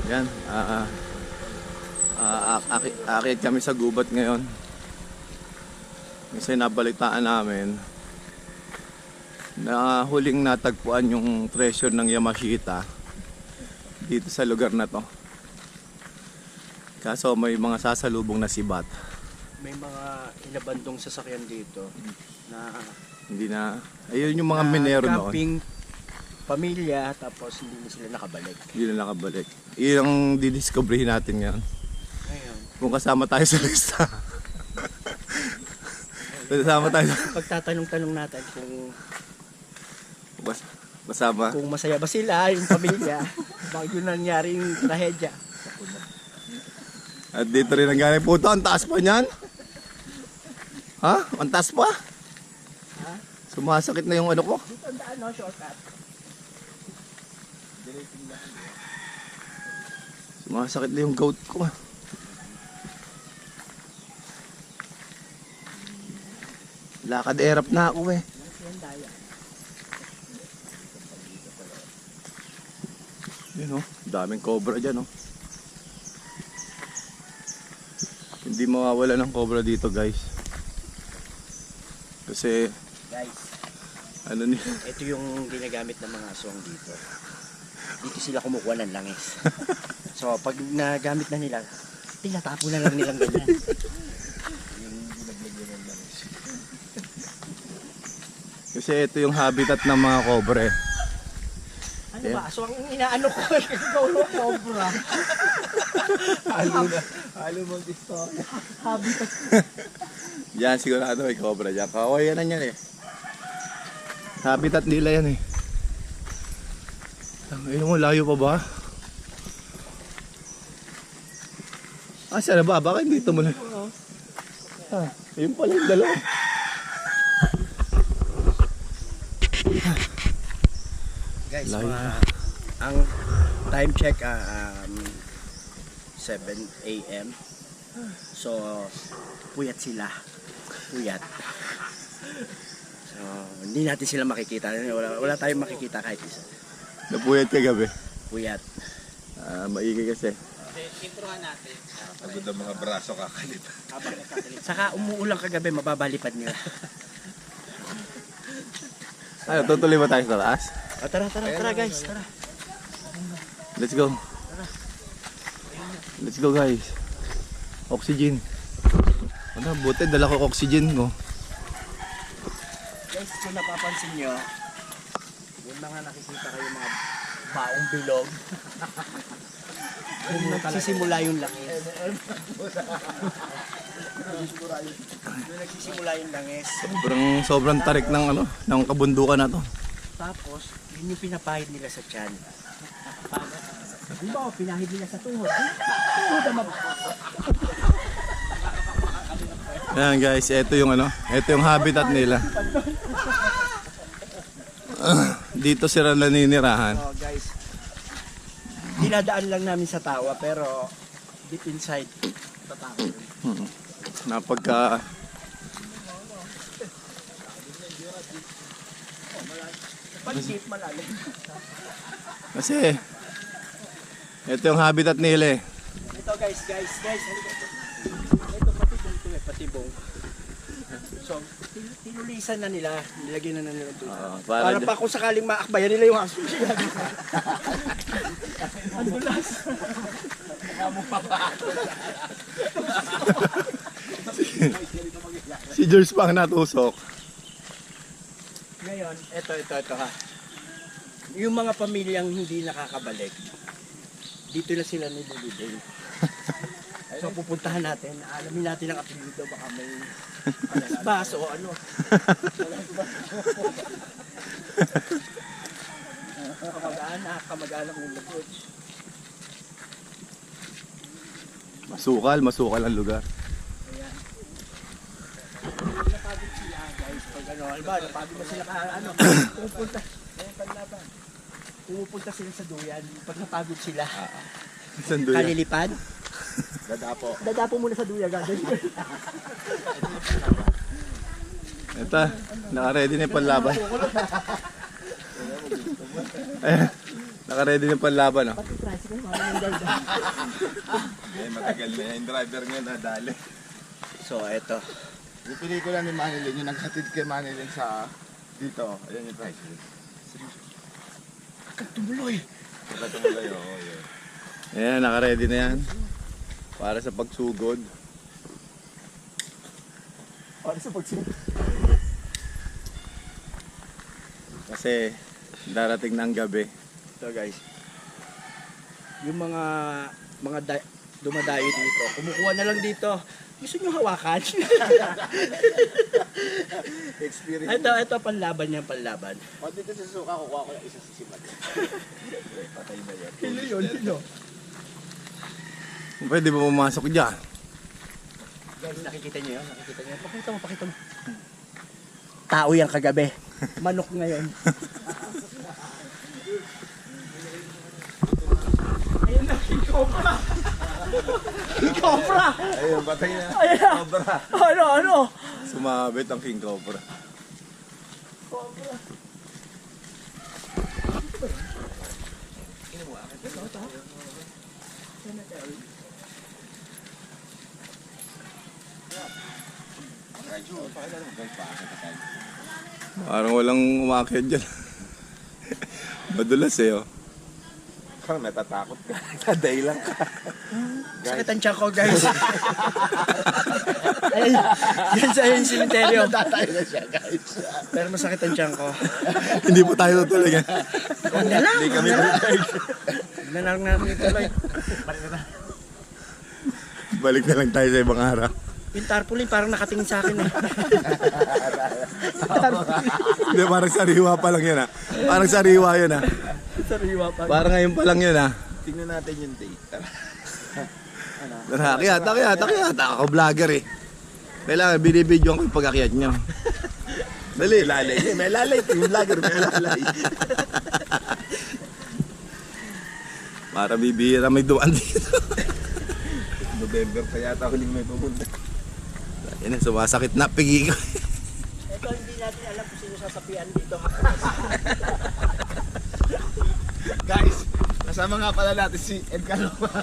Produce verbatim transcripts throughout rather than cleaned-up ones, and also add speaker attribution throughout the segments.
Speaker 1: Yan, uh, uh, akit, akit kami sa gubat ngayon. Kasi nabalitaan namin na huling natagpuan yung treasure ng Yamashita dito sa lugar na to. Kaso may mga sasalubong na sibat.
Speaker 2: May mga inabandong sasakyan dito na
Speaker 1: Hindi na, ayun yung mga minero noon.
Speaker 2: camping pamilya, tapos hindi na sila nakabalik.
Speaker 1: Hindi na nakabalik. Iyon ang didiscovery natin ngayon.
Speaker 2: Ngayon,
Speaker 1: Kung kasama tayo sa lista. Kasama tayo.
Speaker 2: pagtatanong-tanong natin kung
Speaker 1: Bas, kasama.
Speaker 2: kung masaya ba sila, yung pamilya, bakit yun nangyari yung trahedya.
Speaker 1: At dito rin ang galing. Puto, ang taas pa niyan. Ha? Ang taas pa?
Speaker 2: Ha?
Speaker 1: Sumasakit na yung ano ko.
Speaker 2: Dito ang daan, no? Shortcut.
Speaker 1: Sumasakit na yung gout ko. Lakad erap na ako eh.
Speaker 2: Yan daya.
Speaker 1: Yun oh, daming cobra dyan oh. Hindi mawawala ng cobra dito guys. Kasi
Speaker 2: Guys,
Speaker 1: ano ni
Speaker 2: ito yung ginagamit ng mga aswang dito. Dito sila kumukuha ng langis. So, pag nagamit na nila, tinatapo na lang nilang ganyan.
Speaker 1: Kasi ito yung habitat ng mga cobra eh.
Speaker 2: Ano ba? Aswang inaano ko. Ikaw na cobra.
Speaker 1: Halo na.
Speaker 2: Halo mong istorya. Habitat.
Speaker 1: Yan sigurado may cobra dyan. Kawayan na yan eh. Habitat nila yan eh. Ayun mo, layo pa ba? Ah, saan na ba? Bakit dito mo na? Ah, yun pala yung dalawa.
Speaker 2: Guys,
Speaker 1: Layo
Speaker 2: mga,
Speaker 1: na.
Speaker 2: ang time check ah, um, seven A M So, puyat sila. Puyat. So, hindi natin sila makikita. Wala, wala tayong makikita kahit isa.
Speaker 1: Napuyat ka gabi.
Speaker 2: Puyat.
Speaker 1: Ah, maigi kasi.
Speaker 2: Introhan natin.
Speaker 1: Pagod ang mga braso kakalit.
Speaker 2: Saka umuulang kagabi, mababalipad nila.
Speaker 1: Ano, tutuloy ba tayo sa taas?
Speaker 2: O, tara, tara, tara guys. Tara.
Speaker 1: Let's go. Let's go guys. Oxygen. Ano, buti dala ko oxygen ko.
Speaker 2: Guys, kung napapansin nyo, yung mga nakikita kayo mga baong bilog. Kung nagsisimula yung langis. Yung nagsisimula yung langis.
Speaker 1: Sobrang, sobrang tarik ng ano, ng kabundukan na to.
Speaker 2: Tapos, yun yung pinapahid nila sa tiyan. Di ba, pinahid nila sa tuhod. Tuhod naman.
Speaker 1: Ayan guys, ito yung ano, ito yung habitat nila. Dito sila naninirahan.
Speaker 2: Oh, guys. Dinadaan lang namin sa tawa, pero deep inside, tatawa.
Speaker 1: Hmm. Napagka
Speaker 2: Paligid malalim.
Speaker 1: kasi ito yung habitat nila eh.
Speaker 2: Ito guys, guys, guys. Halika ito. Ito patibong ito eh, patibong. So, tin- tinulisan na nila, nilagyan na, na nila doon.
Speaker 1: Oo,
Speaker 2: para
Speaker 1: para
Speaker 2: pa kung sakaling maakbayan nila yung aso. Ang dulas.
Speaker 1: Si George pa ang natusok.
Speaker 2: Ngayon, ito, ito, ito ha. Yung mga pamilyang hindi nakakabalik, dito na sila nililibing. So pupuntahan natin, alamin natin ang apelido, baka may alasbas o ano. Kamag-anak, kamag-anak ng lubot.
Speaker 1: Masukal, masukal ang lugar.
Speaker 2: Ayan. Napagod sila guys, pag ano, alba, napagod na sila ka, ano, pupunta, ayun, panlaban. Pumupunta sila sa duyan, pag napagod sila,
Speaker 1: Saan doon yan?
Speaker 2: kalilipad,
Speaker 1: Dadapo.
Speaker 2: dadapo muna sa duyan, gagawin.
Speaker 1: Ito, naka-ready na yung panlaban. Ayan, naka-ready na yung panlaban. Oh.
Speaker 2: Pati
Speaker 3: tricycle, mami ng guard.
Speaker 4: Eh, matagal na yung driver nga nadali.
Speaker 2: So, eto.
Speaker 4: Yung pelikula ni Manilin, yung naghatid kay Manilin sa dito. Ayan yung tricycle.
Speaker 2: Katumuloy.
Speaker 4: Pagkatumuloy, oo, yun.
Speaker 1: Ayan, naka-ready na yan. Para sa pagsugod.
Speaker 3: Para sa pagsunod.
Speaker 1: Kasi darating na ang gabi.
Speaker 2: Ito guys. Yung mga mga da- dumadayo dito, kumukuha na lang dito. Gusto nyo hawakan?
Speaker 4: Experience.
Speaker 2: ito, ito panlaban yan, panlaban.
Speaker 4: O dito sa suka, kukuha ko yung isa sa simat. Patay na yan.
Speaker 3: Hilo yun, hilo.
Speaker 1: Pwede ba pumasok dyan?
Speaker 2: Guys, nakikita nyo yun? Nakikita nyo yun? Pakita mo, pakita mo. Tao yan kagabi. Manok ngayon. Ayun na, King Cobra! King Cobra!
Speaker 4: Ayun, patay na.
Speaker 2: Ayun na!
Speaker 4: Cobra.
Speaker 2: Ano, ano?
Speaker 1: Sumabit ang King Cobra.
Speaker 2: Cobra.
Speaker 1: Parang walang umakyat dyan. Madulas eh oh.
Speaker 4: Parang natatakot ka. Taday lang ka.
Speaker 2: Sakit ang tiyan ko, guys. Ayun, yan sa yung simenteryo.
Speaker 4: Tatay na siya, guys.
Speaker 2: Pero masakit ang tiyan ko.
Speaker 1: Hindi po tayo tutuloy.
Speaker 2: Huwag na lang.
Speaker 4: Hindi kami prepared.
Speaker 2: Huwag na lang namin tuloy.
Speaker 1: Balik na lang tayo sa ibang araw.
Speaker 2: Yung tarpaulin parang nakatingin sa akin eh.
Speaker 1: Hindi, parang sariwa pa lang yan ah. Parang sariwa yun ah.
Speaker 2: Sariwa pa.
Speaker 1: Parang ngayon pa lang yun ah.
Speaker 4: Tingnan natin yung date.
Speaker 1: Tara, akyat, akyat, akyat. Ako vlogger eh. Kailangan, binibidyo ko yung pag-akyat niya. Dali.
Speaker 4: Lalay. May lalay. Yung vlogger, may lalay.
Speaker 1: Para bibihira may duwan dito.
Speaker 4: November pa yata huling may pumunta.
Speaker 1: Yan na, sumasakit na. Pigi ko.
Speaker 2: Ito hindi natin alam kung sino sasapian dito.
Speaker 4: Guys, kasama nga pala natin si Edgar Lomag.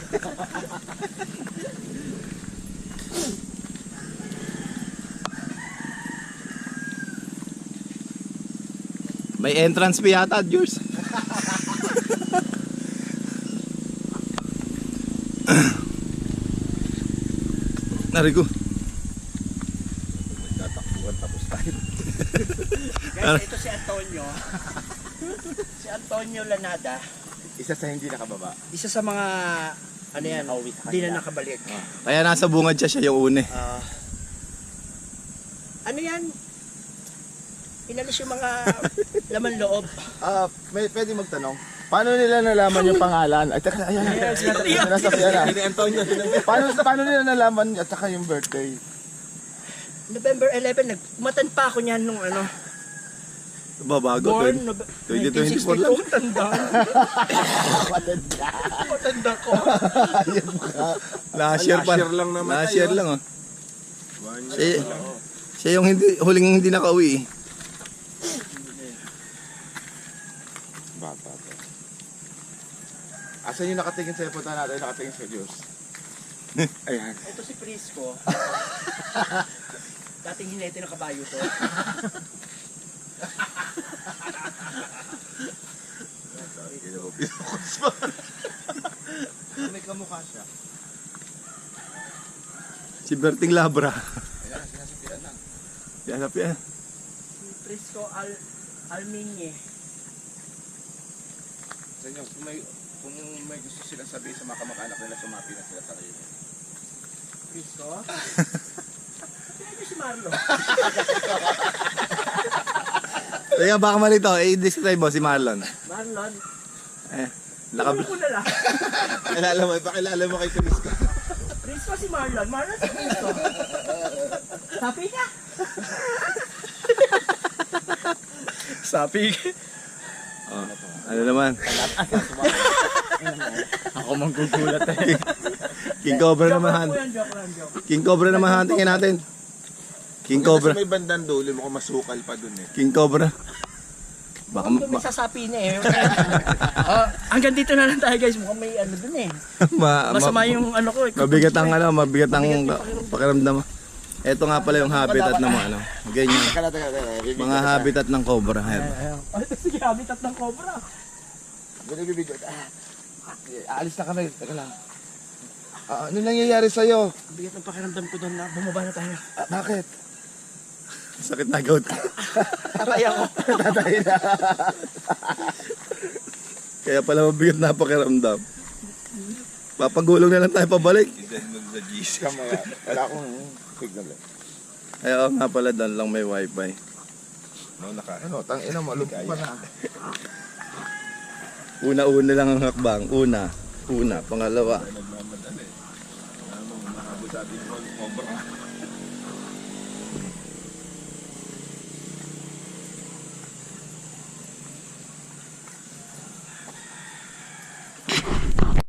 Speaker 1: May entrance fee yata, Jules. Narigo.
Speaker 4: Nagtatakbuhan tapos tayo.
Speaker 2: Guys, ito si Antonio. Si Antonio Lanada.
Speaker 4: Isa sa hindi nakababa.
Speaker 2: Isa sa mga, ano yan, hindi na nakabalik.
Speaker 1: Kaya nasa bungad siya, siya yung une.
Speaker 2: Ah, ano yan? Inalis yung mga laman loob.
Speaker 4: Ah, may pwede magtanong. Paano nila nalaman yung pangalan? Ay, teka, ayan.
Speaker 2: Yes,
Speaker 4: Sinasakyan na. Paano, paano nila nalaman at saka yung birthday?
Speaker 2: November eleventh, nagmatan pa ako niyan nung ano.
Speaker 1: Babago.
Speaker 2: Born,
Speaker 1: twenty-
Speaker 2: Nove-
Speaker 1: twenty
Speaker 2: nineteen
Speaker 1: twenty-four lang.
Speaker 2: sixty-two, tanda. Matanda ko.
Speaker 1: Last year pa.
Speaker 4: Last year lang naman
Speaker 1: Last
Speaker 4: tayo,
Speaker 1: year
Speaker 4: ah.
Speaker 1: lang oh. Siya, siya yung hindi, huling hindi nakauwi eh.
Speaker 4: Bata to. Asan yung nakatingin sa punta natin? Nakatingin sa Diyos. Ayan.
Speaker 2: Ito si Prisco. Dating hinete ng kabayo to.
Speaker 4: May kamukha siya.
Speaker 1: Si Berting Labra.
Speaker 4: Ayan, sinasapian lang.
Speaker 1: Yan na yan.
Speaker 2: Si Prisco Al Alminye.
Speaker 4: Sa inyo, kung may, kung may gusto silang sabihin sa mga kamag-anak nila, sumapi na sila sa kayo.
Speaker 2: Prisco? Sino si Marlo?
Speaker 1: Teka, baka malito. I-describe mo si Marlon.
Speaker 2: Marlon?
Speaker 1: Eh, nakab...
Speaker 2: Ano ko na lang?
Speaker 4: Pakilala mo, pakilala mo kay Prisco.
Speaker 2: Prisco si Marlon. Marlon si Prisco. Sapi ka? Sapi ka?
Speaker 1: Oh, ano naman?
Speaker 3: Ako manggugulat eh.
Speaker 1: King Cobra
Speaker 2: Joke
Speaker 1: naman.
Speaker 2: lang
Speaker 1: han-
Speaker 2: po yan, joke lang, joke.
Speaker 1: King Cobra naman hantingin natin. King
Speaker 4: Kasi
Speaker 1: Cobra.
Speaker 4: may bandang dulo, mukhang masukal pa dun eh.
Speaker 1: King Cobra. Baka,
Speaker 2: Mukhang may
Speaker 1: ma,
Speaker 2: sasapi niya eh. Ah, hanggang dito na lang tayo guys. Mukhang may ano dun eh.
Speaker 1: ma, ma,
Speaker 2: Masama yung ano ko. eh.
Speaker 1: mabigat ang ano, mabigat ang
Speaker 2: Mabigat yung
Speaker 1: pakiramdam. Ito nga pala yung habitat ng mga ano. Ganyan.
Speaker 4: Teka lang, teka lang, teka lang. Bibidyo
Speaker 1: Mga
Speaker 4: kita.
Speaker 1: habitat ng cobra. Ayan.
Speaker 2: Ayun. Ay, sige, habitat ng cobra.
Speaker 4: Ganun bibidyo. Ah, aalis na kami. Teka lang. Ah, ano nangyayari sa'yo?
Speaker 2: Ang bigat ng pakiramdam ko doon na bumaba na tayo.
Speaker 4: Ah, bakit?
Speaker 1: Sakit na gout.
Speaker 2: Aray ako.
Speaker 4: Tatay na.
Speaker 1: Kaya pala mabigat na pakiramdam. Papagulong na lang tayo pabalik.
Speaker 4: Kamaya. Wala akong signal eh.
Speaker 1: Ay, oo nga pala, doon lang may wifi.
Speaker 4: Ano, tang ina mo, lumpo pa na.
Speaker 1: Una-una lang ang hakbang. Una. Una. Pangalawa.
Speaker 3: Nagmamadali. Ano, mahabol sa ating cobra.